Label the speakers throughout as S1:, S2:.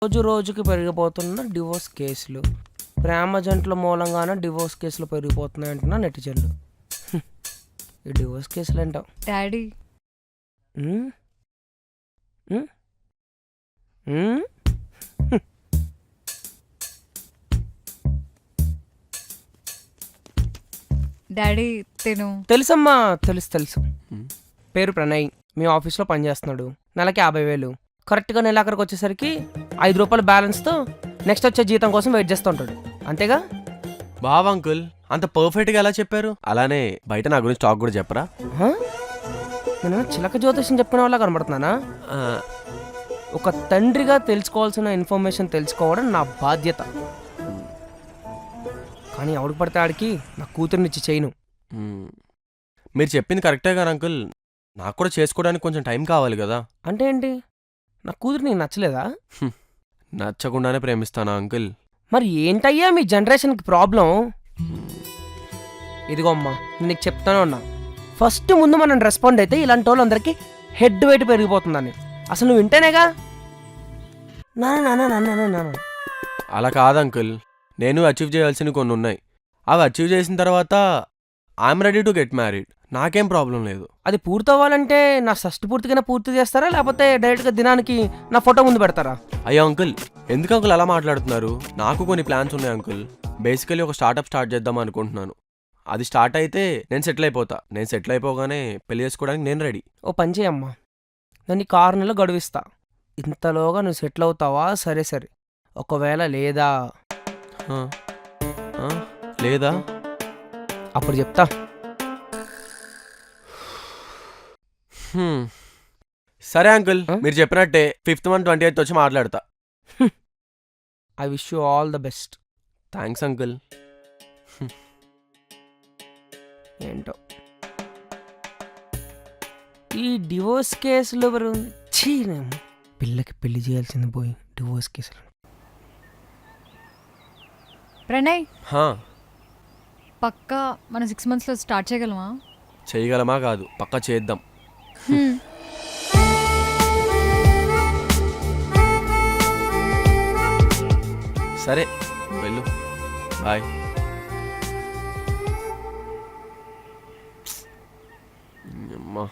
S1: రోజు రోజుకి పెరిగిపోతున్న డివోర్స్ కేసులు, ప్రేమ జంటల మూలంగానే డివోర్స్ కేసులు పెరిగిపోతున్నాయి అంటున్నా నెటిజన్లు. ఈ డివోర్స్ కేసులు ఏంటో.
S2: డాడీ
S1: ఉమ్, ఉమ్, ఉమ్.
S2: డాడీ తిను.
S1: తెలుసమ్మా, తెలుసు. పేరు ప్రణయ్, మీ ఆఫీస్లో పనిచేస్తున్నాడు. నెలకి 50,000. కరెక్ట్గా నెలాఖరికి వచ్చేసరికి 5 రూపాయల బ్యాలెన్స్తో నెక్స్ట్ వచ్చే జీతం కోసం వెయిట్ చేస్తూ ఉంటాడు. అంతేగా?
S3: బావ్ అంకుల్, అంత పర్ఫెక్ట్గా ఎలా చెప్పారు? అలానే బయట నా గురించి టాక్ కూడా చెప్పరా?
S1: హ? నేను చిలక జ్యోతిషం చెప్పిన వాళ్ళ కనబడుతున్నానా?
S3: ఆ,
S1: ఒక తండ్రిగా తెలుసుకోవాల్సిన ఇన్ఫర్మేషన్ తెలుసుకోవడం నా బాధ్యత. కానీ ఎవడికి పడితే ఆడికి నా కూతుర్నిచ్చి చేయను.
S3: మ్, మీరు చెప్పింది కరెక్టే కానీ అంకుల్, నాకు కూడా చేసుకోవడానికి కొంచెం టైం కావాలి కదా.
S1: అంటే ఏంటి? నా కూతురు నీకు నచ్చలేదా?
S3: నచ్చకుండానే ప్రేమిస్తానా అంకుల్?
S1: మరి ఏంటయ్యా మీ జనరేషన్కి ప్రాబ్లం? ఇదిగో అమ్మా, నేను నీకు చెప్తానే ఉన్నా. ఫస్ట్ ముందు మనం రెస్పాండ్ అయితే ఇలాంటి వాళ్ళందరికీ హెడ్ వెయిట్ పెరిగిపోతుందని. అసలు నువ్వు వింటేనేగా. నా నా నా నా నా నా నా.
S3: అలా కాదు అంకుల్, నేను అచీవ్ చేయాల్సినవి కొన్ని ఉన్నాయి. అవి అచీవ్ చేసిన తర్వాత I'm ready to get married. నాకేం ప్రాబ్లం లేదు.
S1: అది పూర్తవ్వాలంటే నా షష్టి పూర్తిగానే పూర్తి చేస్తారా, లేకపోతే డైరెక్ట్గా దినానికి నా ఫోటో ముందు పెడతారా?
S3: అయ్యో అంకుల్, ఎందుకు అంకుల్ అలా మాట్లాడుతున్నారు? నాకు కొన్ని ప్లాన్స్ ఉన్నాయి అంకుల్. బేసికలీ ఒక స్టార్ట్అప్ స్టార్ట్ చేద్దాం అనుకుంటున్నాను. అది స్టార్ట్ అయితే నేను సెటిల్ అయిపోతా. నేను సెటిల్ అయిపోగానే పెళ్లి చేసుకోవడానికి నేను రెడీ.
S1: ఓ పని చేయమ్మా, నేను నీకు 6 నెలలు గడువిస్తా. ఇంతలోగా నువ్వు సెటిల్ అవుతావా? సరే సరే. ఒకవేళ లేదా
S3: ఆ, ఆ, లేదా?
S1: అప్పుడు చెప్తా.
S3: హ్మ్. సరే అంకుల్, మీరు చెప్పినట్టే 5th month 28th వచ్చి మాట్లాడతా.
S1: I wish you all the best.
S3: Thanks uncle.
S1: ఏంటో ఈ డివోర్స్ కేసులు పిల్లకి పెళ్లి చేయాల్సింది పోయి డివోర్స్ కేసులు.
S2: ప్రణయ్,
S3: హా,
S2: పక్కా మనం 6 monthsలో స్టార్ట్ చేయగలమా?
S3: చేయగలమా కాదు, పక్కా చేద్దాం. సరే వెళ్ళు, బాయ్. అమ్మా,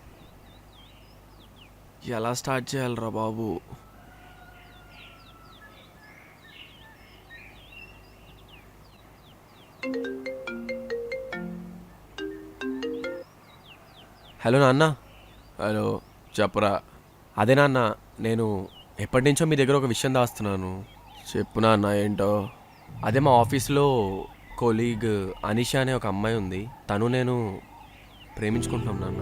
S3: ఎలా స్టార్ట్ చేయాలరా బాబు? హలో నాన్న. హలో, చెప్పురా. అదే నాన్న, నేను ఎప్పటి నుంచో మీ దగ్గర ఒక విషయం దాస్తున్నాను. చెప్పు నాన్న, ఏంటో? అదే మా ఆఫీస్లో కొలీగ్ అనిషా అనే ఒక అమ్మాయి ఉంది. తను నేను ప్రేమించుకుంటున్నాం నాన్న.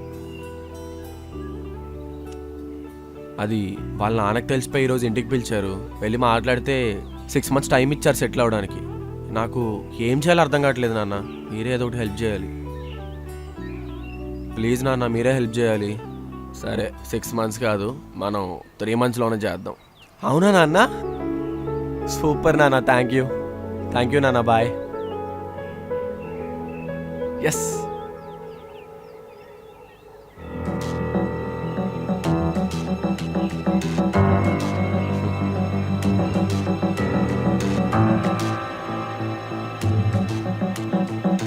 S3: అది వాళ్ళ నాన్నకు తెలిసిపోయి ఈరోజు ఇంటికి పిలిచారు. వెళ్ళి మాట్లాడితే 6 months టైం ఇచ్చారు సెటిల్ అవ్వడానికి. నాకు ఏం చేయాలో అర్థం కావట్లేదు నాన్న. మీరే ఏదో ఒకటి హెల్ప్ చేయాలి ప్లీజ్ నాన్న, మీరే హెల్ప్ చేయాలి. సరే, 6 months కాదు, మనం 3 monthsలోనే చేద్దాం. అవునా నాన్న? సూపర్ నాన్న, థ్యాంక్ యూ నాన్న, బాయ్. ఎస్.